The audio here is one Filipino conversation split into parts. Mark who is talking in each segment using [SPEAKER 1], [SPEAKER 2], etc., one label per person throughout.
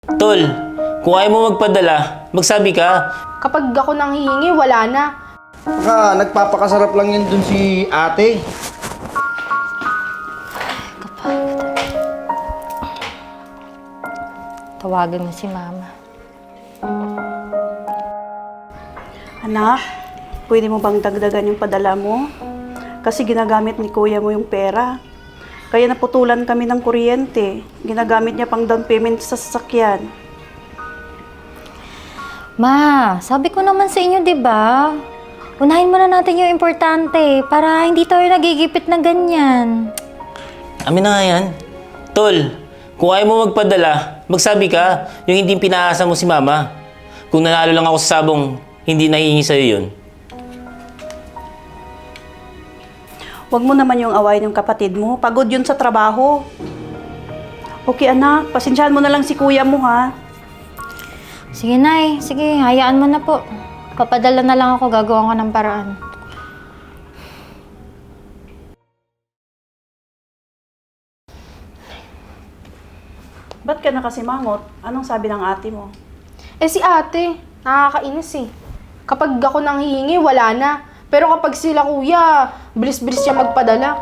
[SPEAKER 1] Tol, kung ayaw mo magpadala, magsabi ka.
[SPEAKER 2] Kapag ako nang hihingi, wala na.
[SPEAKER 3] Baka nagpapakasarap lang yan dun si ate.
[SPEAKER 4] Tawagan mo si Mama.
[SPEAKER 5] Anak, pwede mo bang dagdagan yung padala mo? Kasi ginagamit ni kuya mo yung pera. Kaya naputulan kami ng kuryente. Ginagamit niya pang down payment sa sasakyan.
[SPEAKER 4] Ma, sabi ko naman sa inyo, di ba? Unahin muna natin yung importante para hindi tayo nagigipit na ganyan.
[SPEAKER 1] Amin na nga yan. Tol, kung ayaw mo magpadala, magsabi ka. Yung hindi pinaasa mo si Mama. Kung nanalo lang ako sa sabong, hindi nahihingi sa'yo yun.
[SPEAKER 5] Huwag mo naman yung awayin yung kapatid mo. Pagod yun sa trabaho. Okay anak, pasensyahan mo na lang si kuya mo ha.
[SPEAKER 4] Sige, Nay. Sige, hayaan mo na po. Papadala na lang ako, gagawa ko ng paraan.
[SPEAKER 5] Ba't ka nakasimangot? Anong sabi ng ate mo?
[SPEAKER 2] Eh si ate, nakakainis eh. Kapag ako nang hihingi, wala na. Pero kapag sila kuya, bilis-bilis siya magpadala.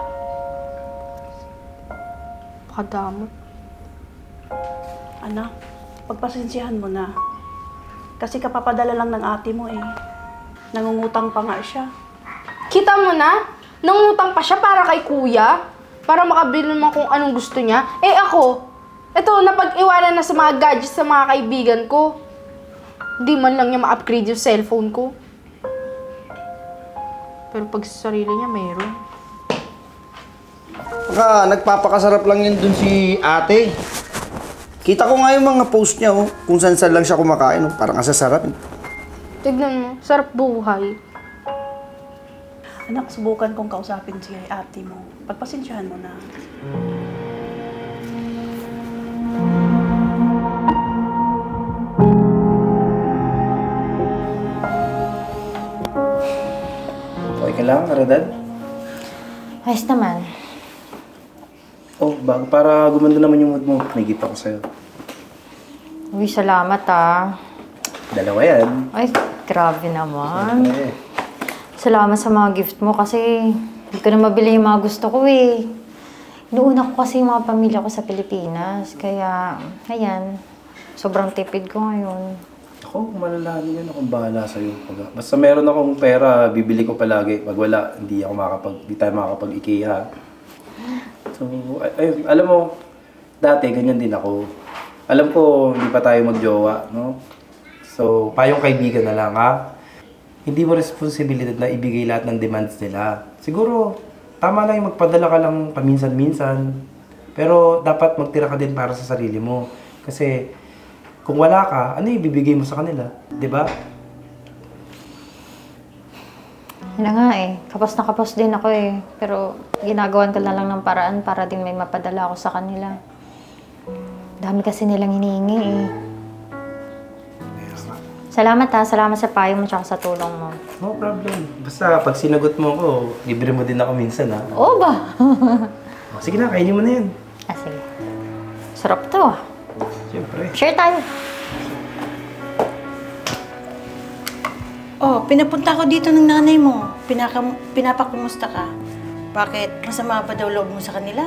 [SPEAKER 2] Pakadamot.
[SPEAKER 5] Anak, pagpasensyahan mo na. Kasi kapapadala lang ng ate mo eh. Nangungutang pa nga siya.
[SPEAKER 2] Kita mo na, nangutang pa siya para kay kuya. Para makabili naman kung anong gusto niya. Eh ako, eto, napag-iwanan na sa mga gadgets sa mga kaibigan ko. Di man lang niya ma-upgrade yung cellphone ko. Pero pag sa sarili niya, mayroon.
[SPEAKER 3] Baka nagpapakasarap lang yan dun si ate. Kita ko nga yung mga post niya, oh. Kung saan lang siya kumakain, oh. Parang asasarap.
[SPEAKER 2] Tignan mo, sarap buhay.
[SPEAKER 5] Anak, subukan kong kausapin si ate mo. Pagpasensyahan mo na.
[SPEAKER 3] Okay ka lang, Karadad?
[SPEAKER 4] Ayos naman.
[SPEAKER 3] Oh, para gumanda naman yung mood mo, may gift ako sa'yo.
[SPEAKER 4] Uy, salamat ah.
[SPEAKER 3] Dalawa yan.
[SPEAKER 4] Ay, grabe naman.
[SPEAKER 3] Eh.
[SPEAKER 4] Salamat sa mga gift mo kasi hindi ko na mabili yung mga gusto ko eh. Inuuna ko kasi yung mga pamilya ko sa Pilipinas. Kaya, ayan, sobrang tipid ko ngayon.
[SPEAKER 6] Ako, malalahan yan akong bahala sa'yo. Basta meron akong pera, bibili ko palagi. Pag wala, hindi tayo makakapag-IKEA. So, ayun, alam mo, dati ganyan din ako. Alam ko, hindi pa tayo magjowa, no? So, payong kaibigan na lang, ha? Hindi mo responsibilidad na ibigay lahat ng demands nila. Siguro, tama lang yung magpadala ka lang paminsan-minsan. Pero dapat magtira ka din para sa sarili mo. Kasi, kung wala ka, ano ibibigay mo sa kanila? 'Di ba?
[SPEAKER 4] Yun na nga eh. Kapos na kapos din ako eh. Pero ginagawan ko na lang ng paraan para din may mapadala ako sa kanila. Dami kasi nilang hinihingi eh. Salamat ha. Salamat sa payo mo tsaka sa tulong mo.
[SPEAKER 6] No problem. Basta pag sinagot mo ako, libre mo din ako minsan, ha?
[SPEAKER 4] Oo ba?
[SPEAKER 6] O, sige na, kainin mo na yan.
[SPEAKER 4] Ah, sige. Sarap to ah.
[SPEAKER 6] Siyempre.
[SPEAKER 4] Share tayo.
[SPEAKER 5] Oh, pinapunta ko dito ng nanay mo. Pinapakumusta ka. Bakit? Masama pa daw loob mo sa kanila?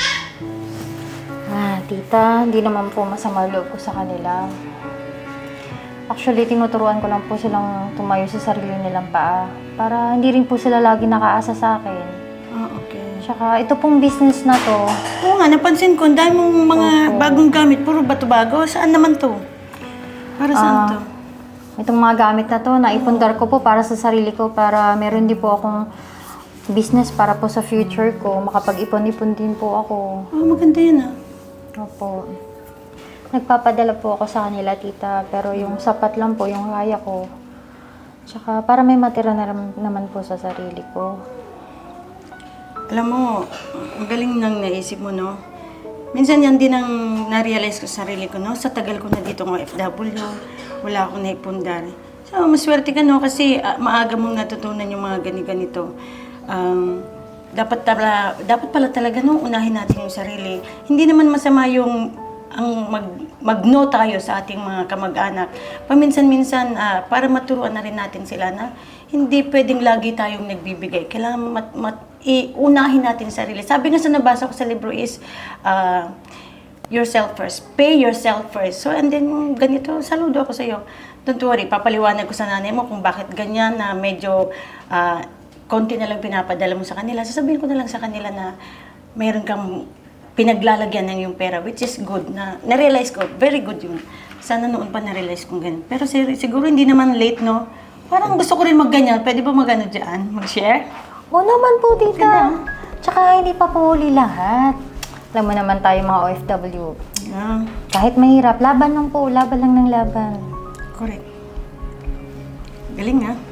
[SPEAKER 4] Ah, tita, hindi naman po masama loob ko sa kanila. Actually, tinuturuan ko lang po silang tumayo sa sarili nilang paa para hindi rin po sila lagi nakaasa sa akin.
[SPEAKER 5] Ah, okay.
[SPEAKER 4] Tsaka ito pong business na to,
[SPEAKER 5] Oo nga, napansin ko, ang dami mong mga bagong gamit. Puro bato-bago. Saan naman to? Para saan to?
[SPEAKER 4] itong mga gamit na to, naipundar ko po para sa sarili ko para meron din po akong business para po sa future ko. Makapag-ipon-ipon din po ako.
[SPEAKER 5] Oh, maganda yan ah.
[SPEAKER 4] Opo. Nagpapadala po ako sa kanila, tita. Pero yung sapat lang po, yung kaya ko. Tsaka para may matira na naman po sa sarili ko.
[SPEAKER 5] Alam mo, ang galing nang naisip mo, no? Minsan yan din ang na-realize ko sa sarili ko, no? Sa tagal ko na dito ng FW, wala akong naipundar. So, maswerte ka, no? Kasi maaga mong natutunan yung mga ganito. Dapat pala talaga, no? Unahin natin yung sarili. Hindi naman masama yung ang mag-no tayo sa ating mga kamag-anak. Paminsan-minsan, para maturuan na rin natin sila na hindi pwedeng lagi tayong nagbibigay. Kailangan iunahin natin sarili. Sabi nga sa nabasa ko sa libro is, yourself first. Pay yourself first. So, and then, ganito, saludo ako sa iyo. Don't worry, papaliwanag ko sa nanay mo kung bakit ganyan na medyo konti na lang pinapadala mo sa kanila. Sasabihin ko na lang sa kanila na mayroon kang pinaglalagyan ng yung pera, which is good. Na-realize ko, very good yun. Sana noon pa na-realize kong ganyan. Pero siguro hindi naman late, no? Parang gusto ko rin magganyan. Pwede ba mag-ano dyan? Mag-share?
[SPEAKER 4] Oo naman po, tita. Tsaka hindi pa po huli lahat. Alam mo naman tayo mga OFW. Kahit mahirap, laban lang po. Laban lang ng laban.
[SPEAKER 5] Correct. Galing, ha?